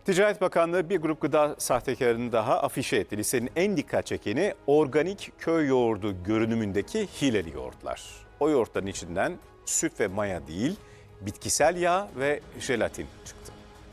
Ticaret Bakanlığı bir grup gıda sahtekarını daha afişe etti. Listenin en dikkat çekeni organik köy yoğurdu görünümündeki hileli yoğurtlar. O yoğurtların içinden süt ve maya değil, bitkisel yağ ve jelatin çıktı.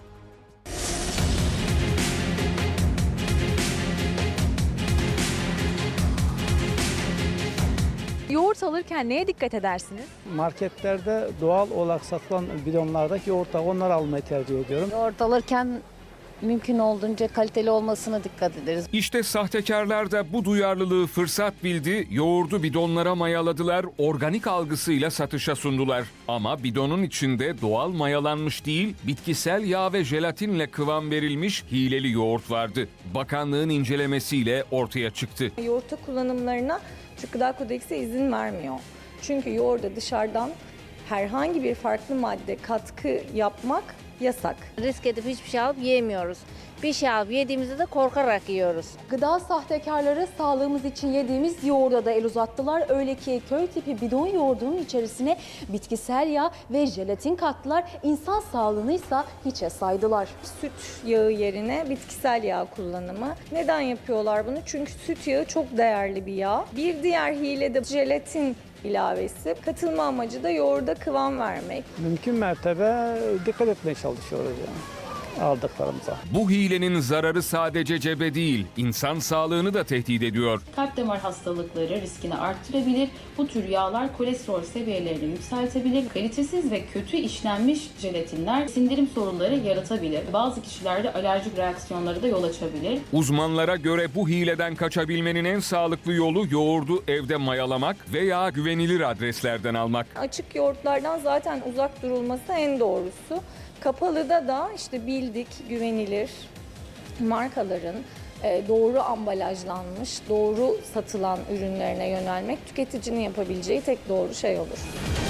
Yoğurt alırken neye dikkat edersiniz? Marketlerde doğal olarak satılan bidonlardaki yoğurtlar, onları almayı tercih ediyorum. Yoğurt alırken mümkün olduğunca kaliteli olmasına dikkat ederiz. İşte sahtekarlar da bu duyarlılığı fırsat bildi, yoğurdu bidonlara mayaladılar, organik algısıyla satışa sundular. Ama bidonun içinde doğal mayalanmış değil, bitkisel yağ ve jelatinle kıvam verilmiş hileli yoğurt vardı. Bakanlığın incelemesiyle ortaya çıktı. Yoğurtta kullanımlarına Türk Gıda Kodeksi izin vermiyor. Çünkü yoğurda dışarıdan herhangi bir farklı madde katkı yapmak yasak. Risk edip hiçbir şey alıp yiyemiyoruz. Bir şey alıp yediğimizde de korkarak yiyoruz. Gıda sahtekarları sağlığımız için yediğimiz yoğurda da el uzattılar. Öyle ki köy tipi bidon yoğurdunun içerisine bitkisel yağ ve jelatin kattılar. İnsan sağlığını ise hiçe saydılar. Süt yağı yerine bitkisel yağ kullanımı. Neden yapıyorlar bunu? Çünkü süt yağı çok değerli bir yağ. Bir diğer hile de jelatin ilavesi. Katılma amacı da yoğurda kıvam vermek. Mümkün mertebe dikkat etmeye çalışıyoruz yani aldıklarımıza. Bu hilenin zararı sadece cebe değil, insan sağlığını da tehdit ediyor. Kalp damar hastalıkları riskini arttırabilir. Bu tür yağlar kolesterol seviyelerini yükseltebilir. Kalitesiz ve kötü işlenmiş jelatinler sindirim sorunları yaratabilir. Bazı kişilerde alerjik reaksiyonları da yol açabilir. Uzmanlara göre bu hileden kaçabilmenin en sağlıklı yolu yoğurdu evde mayalamak veya güvenilir adreslerden almak. Açık yoğurtlardan zaten uzak durulması en doğrusu. Kapalıda da işte bildik, güvenilir markaların doğru ambalajlanmış, doğru satılan ürünlerine yönelmek tüketicinin yapabileceği tek doğru şey olur.